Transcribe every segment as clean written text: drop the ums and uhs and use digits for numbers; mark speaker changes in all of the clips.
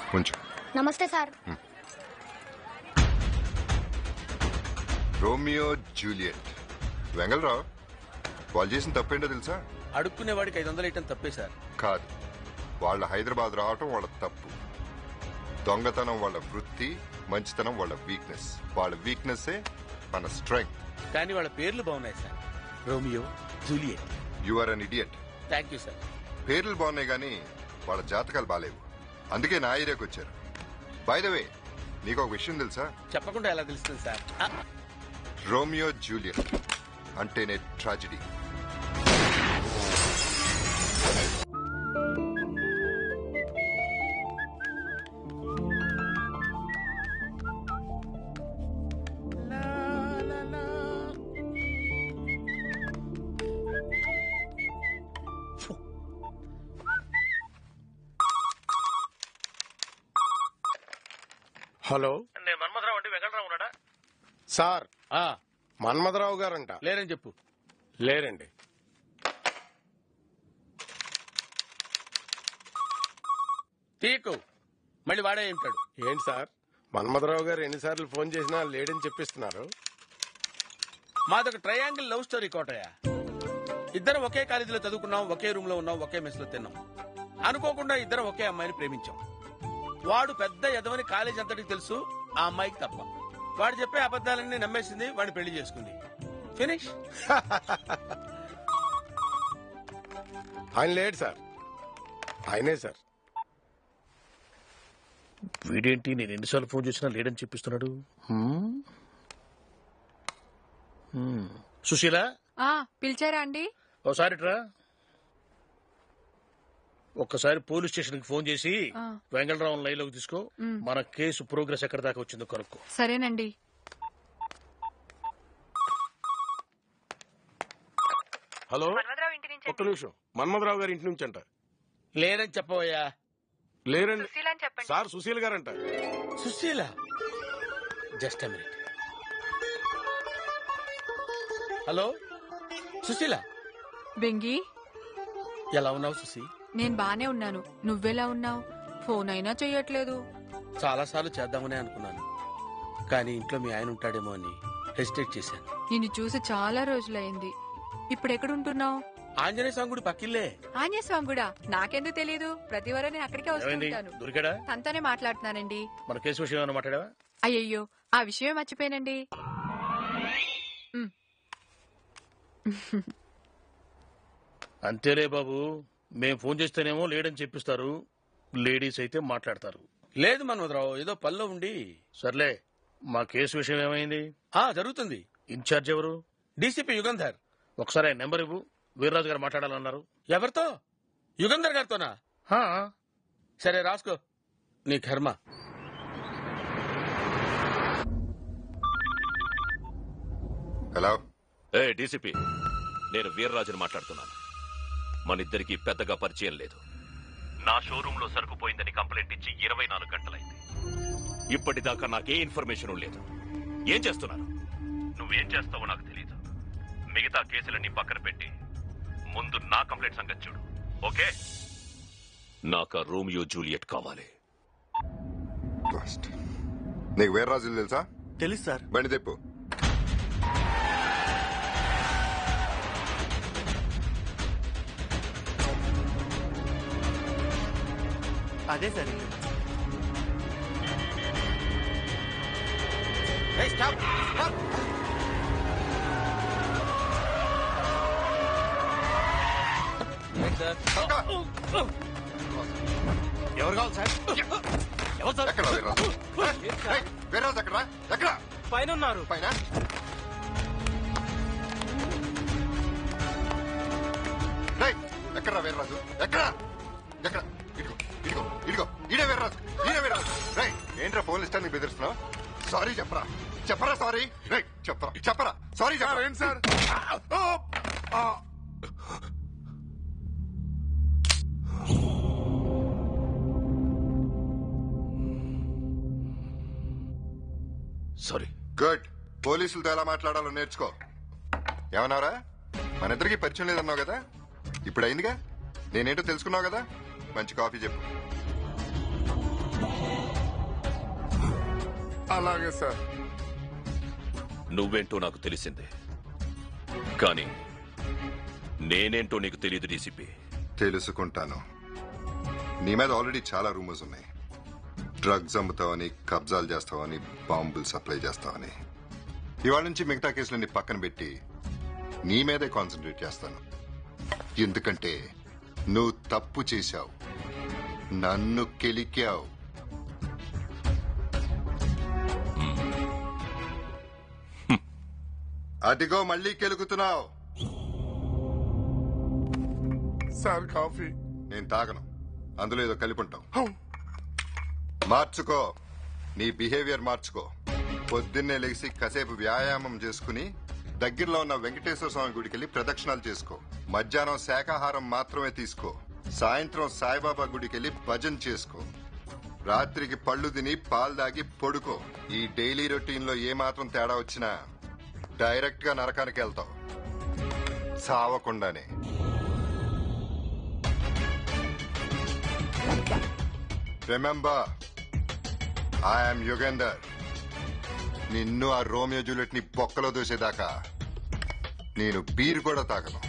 Speaker 1: కొంచెం.
Speaker 2: నమస్తే sir.
Speaker 1: Romeo Juliet. Vengala Rao, వాళ్ళు చేసిన తప్పేంటో తెలుసా?
Speaker 3: అడుక్కునేవాడికి 500 ఇవ్వటం తప్పే సార్.
Speaker 1: కాదు, వాళ్ళ హైదరాబాద్ రావటం వాళ్ళ తప్పు. దొంగతనం వాళ్ళ వృత్తి, మంచితనం వాళ్ళ వీక్నెస్. వాళ్ళ వీక్నెస్ మన స్ట్రెంగ్త్.
Speaker 3: కానీ వాళ్ళ పేర్లు బాగున్నాయి sir. Romeo, Juliet.
Speaker 1: You are an idiot.
Speaker 3: Thank you sir.
Speaker 1: పేర్లు బాగున్నాయి కానీ వాళ్ళ జాతకాలు బాలేవు. అందుకే నా ఏరియాకి వచ్చారు. బై ద వే, నీకు ఒక విషయం తెలుసా?
Speaker 3: చెప్పకుండా ఎలా తెలుస్తుంది సార్?
Speaker 1: రోమియో జూలియట్ అంటేనే ట్రాజడీ.
Speaker 4: హలో,
Speaker 3: నేను మన్మధరావు అండి. వెంకటరావు ఉన్నాడా?
Speaker 4: సార్ మన్మథరావు గారంట.
Speaker 3: లేరని చెప్పు.
Speaker 4: లేరండి.
Speaker 3: తీకు మళ్ళీ వాడే ఉంటాడు.
Speaker 4: ఏంటి సార్, మన్మథరావు గారు ఎన్నిసార్లు ఫోన్ చేసినా లేడని చెప్పిస్తున్నారు?
Speaker 3: మాదొక ట్రయాంగిల్ లవ్ స్టోరీ కోటయ్య. ఇద్దరం ఒకే కాలేజీలో చదువుకున్నాం, ఒకే రూమ్ లో ఉన్నాం, ఒకే మెస్ లో తిన్నాం. అనుకోకుండా ఇద్దరం ఒకే అమ్మాయిని ప్రేమించాం. వాడు పెద్ద ఎదవని కాలేజ్ అంతటికి తెలుసు, ఆ అమ్మాయికి తప్ప. వాడు చెప్పే అబద్దాలన్నీ నమ్మేసింది, వాడిని పెళ్లి చేసుకుంది. ఫినిష్.
Speaker 4: ఆయన లేడు సార్. ఆయనే సార్.
Speaker 5: వీడేంటి నేను ఎన్నిసార్లు ఫోన్ చేసినా లేడని చెప్పిస్తున్నాడు? సుశీల,
Speaker 6: పిలిచారా అండి?
Speaker 5: ఓసారి రా. ఒక్కసారి పోలీస్ స్టేషన్ కి ఫోన్ చేసి వెంగళరావు లైన్ లోకి తీసుకో. మన కేసు ప్రోగ్రెస్ ఎక్కడ దాకా వచ్చిందో కనుక్కో.
Speaker 6: సరేనండి.
Speaker 4: హలో, ఒక్క నిమిషం. మన్మథరావు గారి ఇంటి నుంచి అంట.
Speaker 3: లేరని చెప్పవయ్యా.
Speaker 4: లేరండి సార్, సుశీల్ గారంట.
Speaker 3: Sushila, just a minute. Hello Sushila.
Speaker 6: బెంగి,
Speaker 3: ఎలా ఉన్నావు సుశీ?
Speaker 6: నేను బానే ఉన్నాను. నువ్వెలా ఉన్నావు? ఫోన్ అయినా చెయ్యట్లేదు.
Speaker 3: చాలా సార్లు చేద్దామనే అనుకున్నాను, కానీ ఇంట్లో మీ ఆయన ఉంటాడేమో అని హెసిటేట్ చేశాను.
Speaker 6: నిన్ను చూసి చాలా రోజులైంది. ఇప్పుడెక్కడుంటున్నావు?
Speaker 3: ఆంజనేయ స్వామి గుడి పక్కిల్లే.
Speaker 6: ఆంజనేయ స్వామి కూడా నాకెందుకు తెలీదు? ప్రతి వారం నేను అక్కడికే వస్తుంటాను.
Speaker 5: దొరికాడా?
Speaker 6: తనతోనే మాట్లాడుతున్నానండి.
Speaker 5: మన కేసు విషయం ఏమైనా మాట్లాడావా?
Speaker 6: అయ్యయ్యో, ఆ విషయమే మర్చిపోయానండి.
Speaker 5: అంతేలే బాబు, మేం ఫోన్ చేస్తేనేమో లేడని చెప్పిస్తారు, లేడీస్ అయితే మాట్లాడతారు.
Speaker 3: లేదు మన్మధరావు, ఏదో పనిలో ఉండి.
Speaker 5: సర్లే, మా కేసు విషయం ఏమైంది?
Speaker 3: జరుగుతుంది.
Speaker 5: ఇన్ఛార్జ్ ఎవరు?
Speaker 3: డీసీపీ యుగంధర్.
Speaker 5: ఒకసారి ఆయన నెంబర్ ఇవ్వు, వీర్రాజు గారు మాట్లాడాలన్నారు.
Speaker 3: ఎవరితో? యుగంధర్ గారితోనా? సరే రాసుకో, నీ కర్మ.
Speaker 1: హలో.
Speaker 7: డీసీపీ, నేను వీర్రాజుని మాట్లాడుతున్నాను. మనిద్దరికి పెద్దగా పరిచయం లేదు. నా షోరూమ్ లో సరుకు పోయిందని కంప్లైంట్ ఇచ్చి 24 గంటలైంది. ఇప్పటిదాకా నాకే ఇన్ఫర్మేషన్ లేదు. ఏం చేస్తున్నారు? నువ్వేం చేస్తావో నాకు తెలియదు. మిగతా కేసులన్నీ పక్కన పెట్టి ముందు నా కంప్లైంట్ సంగతి చూడు, ఓకే? నాకు రోమియో జూలియట్ కావాలి.
Speaker 1: నీకు వీర్రాజులు తెలుసా?
Speaker 8: తెలుసు సార్.
Speaker 1: బండి తెప్పు.
Speaker 8: అదే సార్.
Speaker 3: ఎవరు కావాలి సార్? ఎవరు సార్?
Speaker 1: ఎక్కడ వీర్రాజు? వీర్రాజు ఎక్కడ? ఎక్కడ?
Speaker 8: పైన ఉన్నారు.
Speaker 1: పైన? ఎక్కడ వీర్రాజు? ఎక్కడ? ఎక్కడ? ఇదిగో ఇదిగో ఇదిగో, ఈడే వీర్రాజు, ఈడే వీర్రాజు. రై, ఏంట్రా ఫోన్ ఇస్తాను బెదిరిస్తున్నావు? సారీ చెప్పరా, చెప్పరా సారీ. రై, చెప్పరా, చెప్పరా సారీ చెప్పరా. ఏంటి సార్?
Speaker 7: సారీ.
Speaker 1: గుడ్. పోలీసులతో ఎలా మాట్లాడాలో నేర్చుకో. ఏమన్నారా? మన ఇద్దరికి పరిచయం లేదన్నావు కదా, ఇప్పుడు అయిందిగా. నేనేంటో తెలుసుకున్నావు కదా. మంచి కాఫీ చెప్పు. అలాగే సార్.
Speaker 7: నువ్వేంటో నాకు తెలిసిందే, కానీ నేనేంటో నీకు తెలియదు డీసీపీ.
Speaker 1: తెలుసుకుంటాను. నీ మీద ఆల్రెడీ చాలా రూమర్స్ ఉన్నాయి. డ్రగ్స్ అమ్ముతావని, కబ్జాలు చేస్తావని, బాంబులు సప్లై చేస్తావని. ఇవాళ నుంచి మిగతా కేసులన్నీ పక్కన పెట్టి నీ మీదే కాన్సన్ట్రేట్ చేస్తాను. ఎందుకంటే నువ్వు తప్పు చేశావు, నన్ను కెలికావు. అదిగో మళ్ళీ కెలుకుతున్నావు.
Speaker 2: Sir coffee.
Speaker 1: నేను తాగను, అందులో ఏదో కలిపి ఉంటావు. మార్చుకో, నీ బిహేవియర్ మార్చుకో. పొద్దున్నే లేచి కాసేపు వ్యాయామం చేసుకుని దగ్గరలో ఉన్న వెంకటేశ్వర స్వామి గుడికి వెళ్ళి ప్రదక్షిణాలు చేసుకో. మధ్యాహ్నం శాకాహారం మాత్రమే తీసుకో. సాయంత్రం సాయిబాబా గుడికి వెళ్ళి భజన చేసుకో. రాత్రికి పళ్ళు తిని పాలు దాగి పడుకో. ఈ డైలీ రొటీన్ లో ఏమాత్రం తేడా వచ్చినా డైరెక్ట్ గా నరకానికి వెళ్తావు, సావకుండానే. Remember, I'm Yugender. నిన్ను ఆ రోమియో జూలియట్ ని బొక్కలో దూసేదాకా నేను బీర్ కూడా తాగను.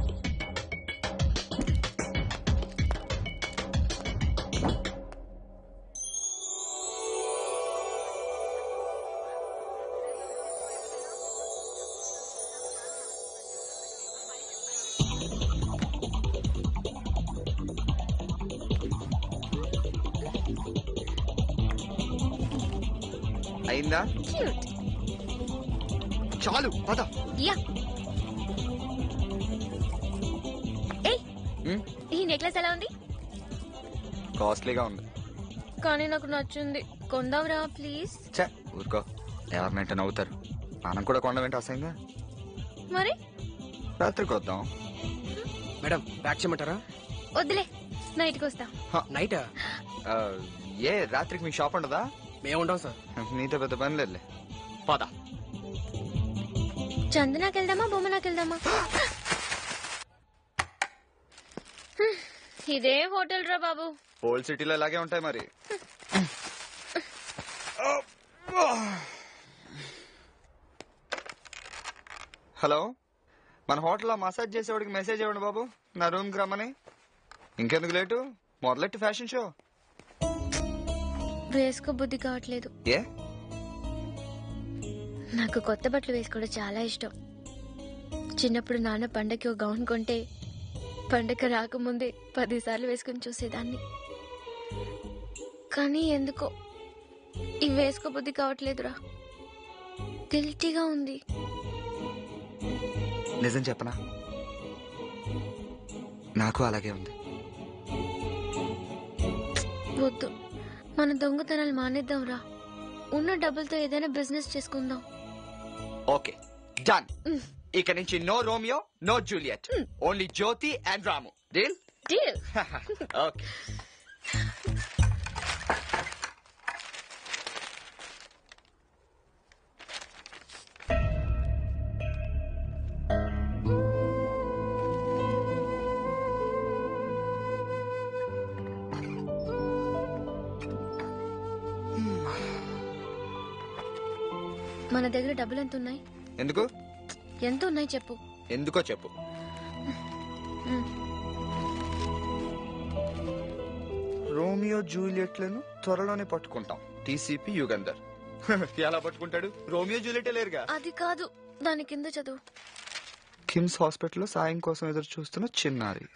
Speaker 9: అయిందా? చాలు పద.
Speaker 10: యా. ఏయ్, ఈ నెక్లెస్ ఎలా ఉంది?
Speaker 9: కాస్ట్లీగా ఉంది,
Speaker 10: కానీ నాకు నచ్చింది. కొందాంరా ప్లీజ్.
Speaker 9: ఛే, ఊరుకో, ఎవరినంటే నవ్వుతారు. మనం కూడా కొండ వెంట అసహ్యంగా.
Speaker 10: మరి
Speaker 9: రాత్రికి వద్దాం.
Speaker 8: మేడం ప్యాక్ చేయమంటారా?
Speaker 10: వద్దులే, నైట్కి వస్తా.
Speaker 8: నైటా?
Speaker 9: ఏ రాత్రికి మీ షాప్ ఉండదా?
Speaker 8: మేముంటాం సార్.
Speaker 9: నీతో పెద్ద పని లేదులే, పద.
Speaker 10: చందనాకి వెళ్దామా, బొమ్మనాకి వెళ్దామా? ఇదే హోటల్ రా బాబు.
Speaker 9: ఓల్డ్ సిటీలో ఇలాగే ఉంటాయి మరి. హలో, మన హోటల్లో మసాజ్ చేసేవాడికి మెసేజ్ ఇవ్వండి బాబు, నా రూమ్కి రమ్మని. ఇంకెందుకు లేటు, మొదలెట్టి ఫ్యాషన్ షో.
Speaker 10: వేసుకో బుద్ధి కావట్లేదు.
Speaker 9: ఏ?
Speaker 10: నాకు కొత్త బట్టలు వేసుకోవడం చాలా ఇష్టం. చిన్నప్పుడు నాన్న పండగకి ఒక గౌన్ కొంటే పండగ రాకముందే 10 సార్లు వేసుకుని చూసేదాన్ని. కానీ ఎందుకో ఇవి వేసుకో బుద్ధి కావట్లేదురా. గిల్టీగా ఉంది.
Speaker 9: నిజం చెప్పనా, నాకు అలాగే ఉంది.
Speaker 10: వద్దు, మన దొంగతనాలు మానేద్దాంరా. ఉన్న డబ్బులతో ఏదైనా బిజినెస్ చేసుకుందాం.
Speaker 9: Okay, done. ఇక నుంచి no Romeo, no Juliet, only Jyoti and Ramu. Deal?
Speaker 10: Deal.
Speaker 9: Okay.
Speaker 10: మన దగ్గర డబ్బులు ఎంత ఉన్నాయి?
Speaker 9: ఎందుకు?
Speaker 10: ఎంత ఉన్నాయి చెప్పు.
Speaker 9: ఎందుకో చెప్పు. రోమియో జూలియట్లను త్వరలోనే పట్టుకుంటాం. టీసీపీ యుగంధర్. ఎలా పట్టుకుంటాడు? రోమియో జూలియట్ లేరుగా.
Speaker 10: అది కాదు, దాని కింద చదువు.
Speaker 9: కిమ్స్ హాస్పిటల్లో సాయం కోసం ఎదురు చూస్తున్న చిన్నారి.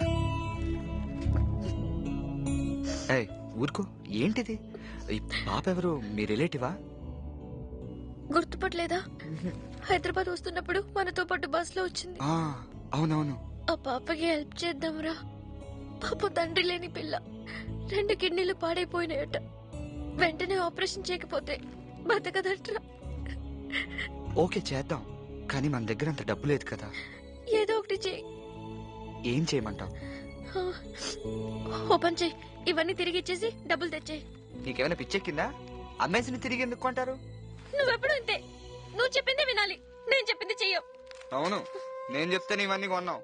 Speaker 9: ఏయ్, ఊరుకో, ఏంటిది? ఈ పాప ఎవరు? మీ రిలేటివా?
Speaker 10: గుర్తుపట్టలేదా? హైదరాబాద్ వస్తున్నప్పుడు మనతో పాటు బస్ లో వచ్చింది.
Speaker 9: అవునవును.
Speaker 10: ఆ పాపకి హెల్ప్ చేద్దాంరా. పాప తండ్రి లేని పిల్ల, 2 కిడ్నీలు పాడైపోయినాయట. వెంటనే ఆపరేషన్ చేయకపోతే బతకదట్రా.
Speaker 9: ఓకే, చేద్దాం. కానీ మన దగ్గర అంత డబ్బు లేదు కదా.
Speaker 10: ఏదో ఒకటి చెయ్యి.
Speaker 9: ఏం చేయమంటావు?
Speaker 10: ఓపెన్ చెయ్యి. ఇవన్నీ తిరిగి ఇచ్చేసి డబ్బులు తెచ్చేయి.
Speaker 9: నీకేమైనా పిచ్చెక్కిందా? అమ్మేసిని తిరిగి ఎందుకు కొంటారు?
Speaker 10: నువ్వెప్పుడు అంతే. నువ్వు చెప్పిందే వినాలి, నేను చెప్పింది చెయ్యవు.
Speaker 9: అవును, నేను చెప్తే ఇవన్నీ కొన్నావు.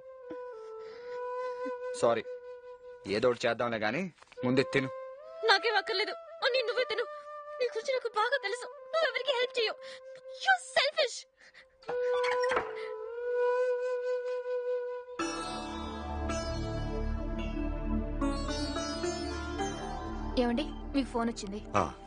Speaker 9: సారీ, ఏదో ఒకటి చేద్దాంలే గాని ముందే తిను.
Speaker 10: నాకేం అక్కర్లేదు, నువ్వే తిను. నీ గురించి నాకు బాగా తెలుసు. నువ్వు ఎవరికి హెల్ప్ చేయవు. You selfish. ఏమండి, మీకు ఫోన్ వచ్చింది.